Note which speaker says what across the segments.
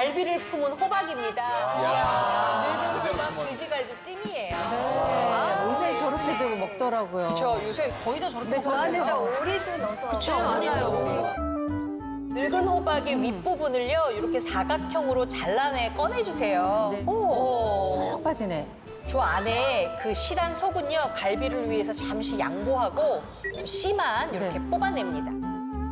Speaker 1: 갈비를 품은 호박입니다. 늙은 호박 돼지갈비 찜이에요.
Speaker 2: 네, 요새 저렇게도 먹더라고요.
Speaker 1: 저 요새 거의 다 저렇게
Speaker 2: 네,
Speaker 3: 안에다
Speaker 1: 먹어요.
Speaker 3: 오리도 넣어서.
Speaker 1: 그쵸, 맞아요. 늙은 호박의 윗부분을요, 이렇게 사각형으로 잘라내 꺼내주세요.
Speaker 2: 네. 오, 쏙 빠지네.
Speaker 1: 저 안에 그 실한 속은요, 갈비를 위해서 잠시 양보하고 좀 씨만 이렇게
Speaker 2: 네.
Speaker 1: 뽑아냅니다.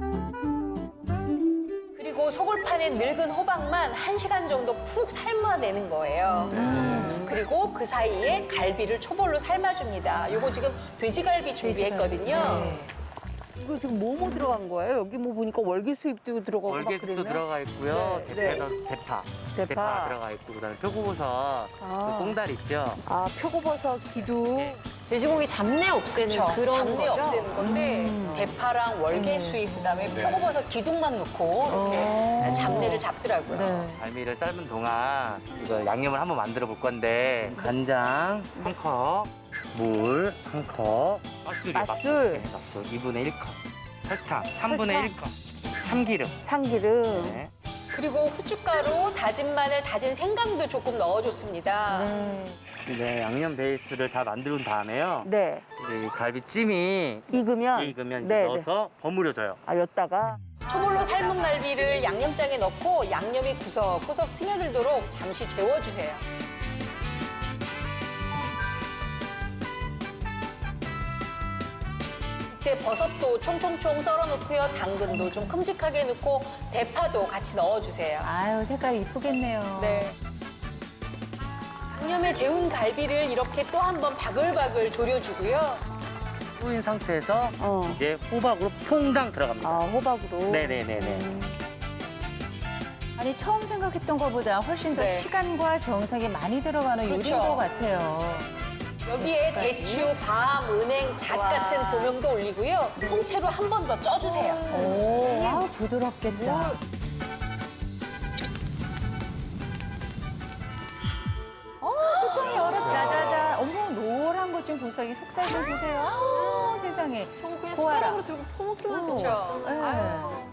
Speaker 1: 그리고 속을 파낸 늙은 호박만 1시간 정도 푹 삶아내는 거예요. 그리고 그 사이에 갈비를 초벌로 삶아줍니다. 요거 지금 돼지갈비 준비했거든요.
Speaker 2: 네.
Speaker 3: 이거 지금 뭐 들어간 거예요? 여기 뭐 보니까 월계수잎도 들어가고 막
Speaker 4: 월계수도
Speaker 3: 그랬네.
Speaker 4: 들어가 있고요.
Speaker 3: 네,
Speaker 4: 대파.
Speaker 3: 대파.
Speaker 4: 대파 들어가 있고 그다음에 표고버섯,
Speaker 3: 아.
Speaker 4: 그 꽁다리 있죠.
Speaker 3: 아, 표고버섯, 기두.
Speaker 4: 네.
Speaker 5: 돼지고기 잡내 없애는
Speaker 1: 그쵸.
Speaker 5: 그런
Speaker 1: 잡내
Speaker 5: 거죠?
Speaker 1: 없애는 건데 대파랑 월계수잎 그다음에 표고버섯 기둥만 넣고 이렇게 잡내를 잡더라고요.
Speaker 2: 네.
Speaker 4: 갈비를 삶은 동안 이거 양념을 한번 만들어 볼 건데 간장 한 컵, 물 한 컵,
Speaker 3: 맛술.
Speaker 4: 맛술 2분의 1컵, 설탕 3분의 1컵, 참기름.
Speaker 3: 참기름.
Speaker 4: 네.
Speaker 1: 그리고 후춧가루, 다진 마늘, 다진 생강도 조금 넣어줬습니다.
Speaker 2: 네.
Speaker 4: 네, 양념 베이스를 다 만든 다음에요.
Speaker 3: 네.
Speaker 4: 이제 이 갈비찜이
Speaker 3: 익으면.
Speaker 4: 익으면
Speaker 3: 네,
Speaker 4: 이제 넣어서 버무려줘요.
Speaker 3: 아, 였다가.
Speaker 1: 초벌로 삶은 갈비를 양념장에 넣고 양념이 구석구석 스며들도록 잠시 재워주세요. 이때 버섯도 총총총 썰어 넣고요. 당근도 좀 큼직하게 넣고 대파도 같이 넣어주세요.
Speaker 2: 아유, 색깔이 이쁘겠네요.
Speaker 1: 네. 양념에 재운 갈비를 이렇게 또 한 번 바글바글 졸여주고요.
Speaker 4: 뿌인 상태에서
Speaker 3: 어.
Speaker 4: 이제 호박으로 퐁당 들어갑니다.
Speaker 3: 아, 호박으로.
Speaker 4: 네네네네.
Speaker 2: 아니, 처음 생각했던 것보다 훨씬 더
Speaker 1: 네.
Speaker 2: 시간과 정성이 많이 들어가는
Speaker 1: 그렇죠.
Speaker 2: 요리인 것 같아요.
Speaker 1: 여기에
Speaker 2: 배추까지.
Speaker 1: 대추, 밤, 은행, 잣 같은 고명도 올리고요. 통째로 한 번 더 쪄주세요.
Speaker 2: 오, 아우, 부드럽겠다. 뚜껑 열어 짜자잔. 어머, 노란 것 좀 보세요. 이 속살 좀 보세요. 아우, 세상에.
Speaker 5: 전 그냥
Speaker 2: 고아라.
Speaker 5: 숟가락으로 들고 퍼먹기만
Speaker 2: 오,
Speaker 5: 하면
Speaker 1: 그쵸.
Speaker 5: 맛있잖아요.
Speaker 2: 네.
Speaker 5: 아유.